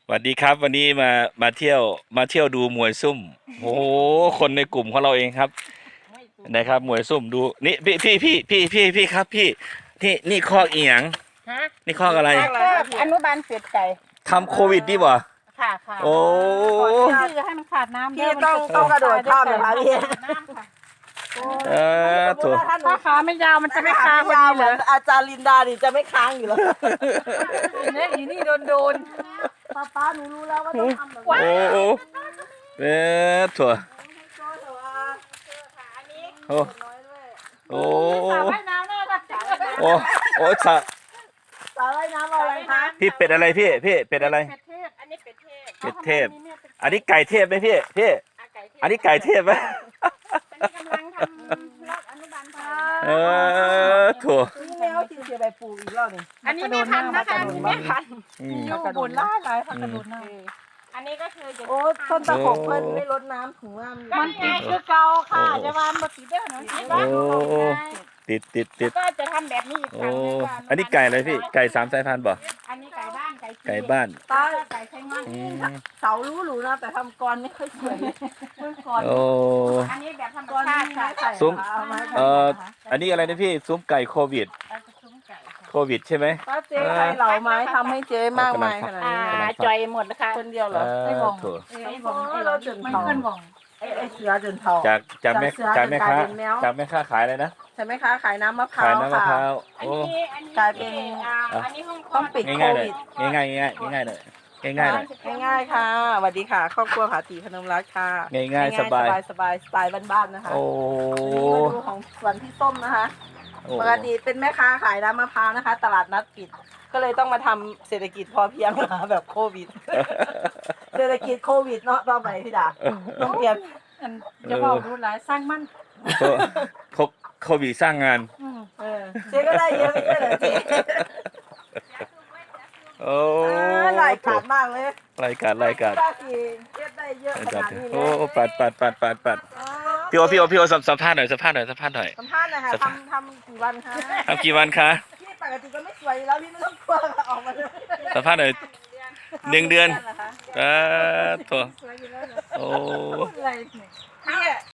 สวัสดีครับวันนี้มาเที่ยวดูมวยซุ่มโอ้โหคนในกลุ่มของเราเองครับนะครับมวยซุ่มดูนี่พี่ครับพี่นี่คอกอีหยังฮะนี่คอกอะไรก็อนุบาลเสียดไก่ทำโควิดดิบ่ค่ะโอ้ชื่อให้มันขาดน้ำพี่ต้องกระโดดข้ามเลยค่ะพี่น้ำค่ะถูกถ้าขาไม่ยาวมันจะไม่คาพอยาวดีเหเหมืรออนอาจารย์ลินดานี่จะไม่ค้างอยู่แล้วเนี่ยอยู่นี่โดนป้าหนูรู้แล้วว่าต้องทำแบบโอ้โอ้ถั่วโอ้โอ้สาวว่ายน้ำน่ารักจังเลยโอ้โอ้สะสาว่ายน้ำอะไรคะพี่เป็ดอะไรพี่เป็ดอะไรเป็ดเทพอันนี้เป็ดเทพเป็ดเทพ อันนี้ไก่เทพไหมพี่อันนี้ไก่เทพไหมกำลังทำรอบอนุบาลไทยถั่วนี่แมวที่เสียใบปูอีกแล้วนี่อันนี้ไม่ทันนะคะอันนี้ไม่ทันอยู่บนล่าหลายผักกระโดดน้อันนี้ก็คือจะำโอ้ต้นตะขบเพิ่นไม่ลดน้ำถุงน้ำมันติดคือเก่าค่ะจะวานมาติดได้หน่อยสิบ้างติดก็จะทำแบบนี้อีกคโอ้รั้งหนึงว่าอันนี้ไก่อะไรพี่ไก่3 สายพันธุ์บ่อันนี้ไก่บ้านไก่ไก่บ้านป้าไก่ไข่งอนอืมเสารู้หรูนะแต่ทำกรไม่ค่อยสวยเมื่อก่อนโอ้อันนี้แบบธรรมกรชาติไม่ค่ะใส่ซุ้มเอามาให้อันนี้อะไรนะพี่ซุ้มไก่โควิดเอาจะซุ้มไก่ค่ะโควิดใช่ไหมป้าเจ๊ใครเหลาไม้ทำให้เจ๊มากมายขนาดนี้นะจอยหมดแล้วค่ะคนเดียวเหรอถั่วไม่บอกเราจนไม่ทองขึ้นบอกไอ้เสือจนทองจากแม่จากเสือจากแม่ค้าจนกลายเป็นแมวจากแม่ค้าขายอะไรนะใช่ไหมคะขายน้ำมะพร้าขายว น้ำมะพค่ะร้าวอันโอ้นี้กลายเป็นอันนี้ห้องต้องปิดง่ายๆเลยง่ายๆง่ายๆเลยง่ายๆเลยง่ายๆค่ะสวัสดีค่ะครอบครัวผาตีพนมรัตน์ค่ะง่ายๆสบายสบายสไตล์บ้านๆนะคะโอ้วันนี้มาดูของสวนพี่ส้มนะคะโอ้ปกติเป็นแม่ค้าขายน้ำมะพร้าวนะคะ ตลาดนัดปิด ก็เลยต้องมาทำเศรษฐกิจพอเพียงมาแบบโควิด เศรษฐกิจโควิดเนาะต่อไปพี่ดาต้องเตรียมจะบอกดูหลายสร้างมั่นโควิดสร้างงานเจ๊ก็ได้เยอะไม่ใช่เหรอเจ๊โอ้หลายขาดมากเลยรายการป้าทีเจ๊ได้เยอะขนาดนี้เลโอ้ยปัดพี่โอสัมภาษณ์หน่อยสัมภาษณ์หน่อยค่ะทำกี่วันคะทำกี่วันคะพี่ปกติก็ไม่สวยอยู่แล้วพี่ไม่ต้องกลัวค่ะออกมาเลยสัมภาษณ์หน่อย1 เดือนเหรอคะถั่วโอ้อะไรเนี่ยพี่